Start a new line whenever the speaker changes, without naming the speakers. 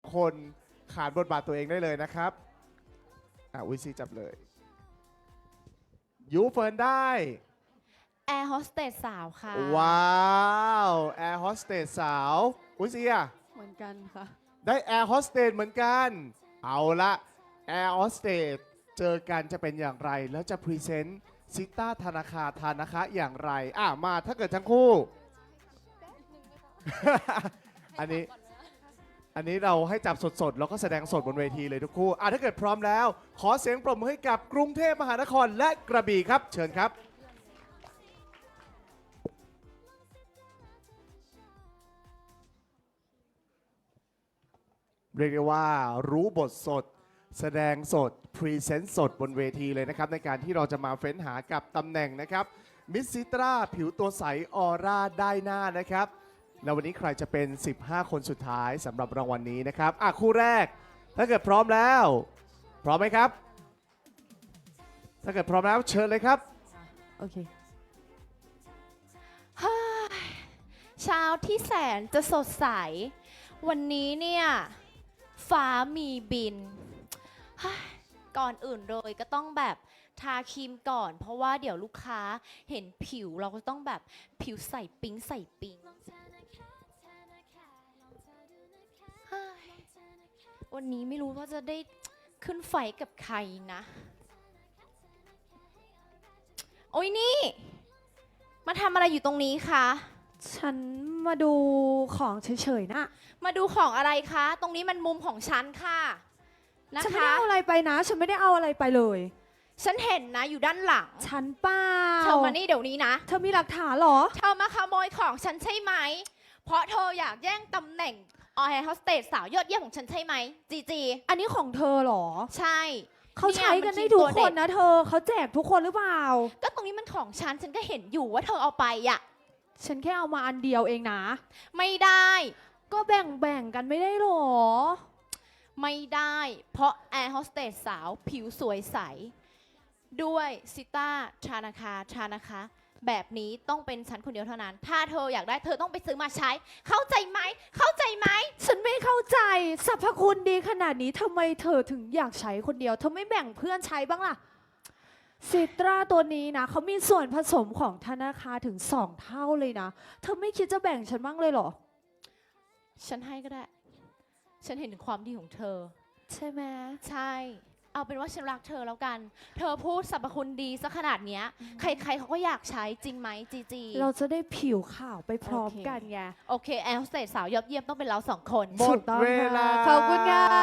คนขานบทบาทตัวเองได้เลยนะครับวิซีจับเลยยูเฟิร์นได้
แอร์โฮสเตสสาวค่ะ
ว้าวแอร์โฮสเตสสาวซีอะ
เหมือนกันค่ะ
ได้แอร์โฮสเตสเหมือนกันเอาละแอร์โฮสเตสเจอกันจะเป็นอย่างไรแล้วจะพรีเซนต์ซิต้าธนาคารธานะคะอย่างไรมาถ้าเกิดทั้งคู่ อันนี้เราให้จับสดๆ แล้วก็แสดงสดบนเวทีเลยทุกคู่ถ้าเกิดพร้อมแล้ว ขอเสียงปรบมือให้กับกรุงเทพมหานครและกระบี่ครับ เชิญครับ เรียกได้ว่ารู้บทสด แสดงสด พรีเซนต์สดบนเวทีเลยนะครับ ในการที่เราจะมาเฟ้นหากับตำแหน่งนะครับมิสซิตราผิวตัวใสออร่าได้หน้านะครับแล้ววันนี้ใครจะเป็น 15 คนสุดท้ายสำหรับรางวัลนี้นะครับคู่แรก ถ้าเกิดพร้อมแล้ว พร้อมไหมครับ ถ้าเกิดพร้อมแล้วเชิญเลยครับ
โอเค
เช้าที่แสนจะสดใส วันนี้เนี่ย ฟ้ามีบิน ก่อนอื่นเลยก็ต้องแบบทาครีมก่อน เพราะว่าเดี๋ยวลูกค้าเห็นผิวเราก็ต้องแบบผิวใส่ปิ๊งใส่ปิ๊งเฮ้ยวันนี้ไม่รู้ว่าจะได้ขึ้นไฟกับใครนะ โอ้ยนี่ มาทำอะไรอยู่ตรงนี้คะ
ฉันมาดูของเฉยๆนะ
มาดูของอะไรคะ ตรงนี้มันมุมของฉันค่ะนะ
ฉันไม่ได้
คะ
เอาอะไรไปนะ ฉันไม่ได้เอาอะไรไปเลย
ฉันเห็นนะอยู่ด้านหลัง
ฉันเปล่า
เธอมานี่เดี๋ยวนี้นะ
เธอมีหลักฐานเหรอ
เธอมาขโมยของฉันใช่ไหม เพราะเธออยากแย่งตำแหน่งแอร์โฮสเตสสาวยอดเยี่ยมของฉันใช่ไหมจีจี
อันนี้ของเธอเหรอ
ใช่
เขาใช้กัน
เย
ได้
มั
ทุก
ตัว
ค
เด็
นนะเธอ เขาแจกทุกคนหรือเปล่า
ก็ตรงนี้มันของฉัน ฉันก็เห็นอยู่ว่าเธอเอาไปอะ
ฉันแค่เอามาอันเดียวเองนะ
ไม่ได้
ก็แบ่งกันไม่ได้หรอ
ไม่ได้ เพราะแอร์โฮสเตสสาวผิวสวยใส ด้วยซิต้าชานะคะ แบบนี้ต้องเป็นฉันคนเดียวเท่านั้น ถ้าเธออยากได้เธอต้องไปซื้อมาใช้ เข้าใจไหม เข้าใจไหม
ฉันไม่เข้าใจสรรพคุณดีขนาดนี้ทำไมเธอถึงอยากใช้คนเดียว เธอไม่แบ่งเพื่อนใช้บ้างล่ะซิตราตัวนี้นะเขามีส่วนผสมของธนาคารถึง2 เท่าเลยนะ เธอไม่คิดจะแบ่งฉันบ้างเลยเหรอ
ฉันให้ก็ได้ ฉันเห็นถึงความดีของเธอ
ใช่ไหม
ใช่ เอาเป็นว่าฉันรักเธอแล้วกัน เธอพูดสรรพคุณดีซะขนาดเนี้ย ใครๆเขาก็อยากใช้จริงไหมจีจี
เราจะได้ผิวขาวไปพร้อม
โอเค
กันไง
โอเคแอร์โฮสเตสสาวยอดเยี่ยมต้องเป็นเราสองคน
หมด
ถูกต้อง
เวลา
ค่ะขอบคุณค่ะ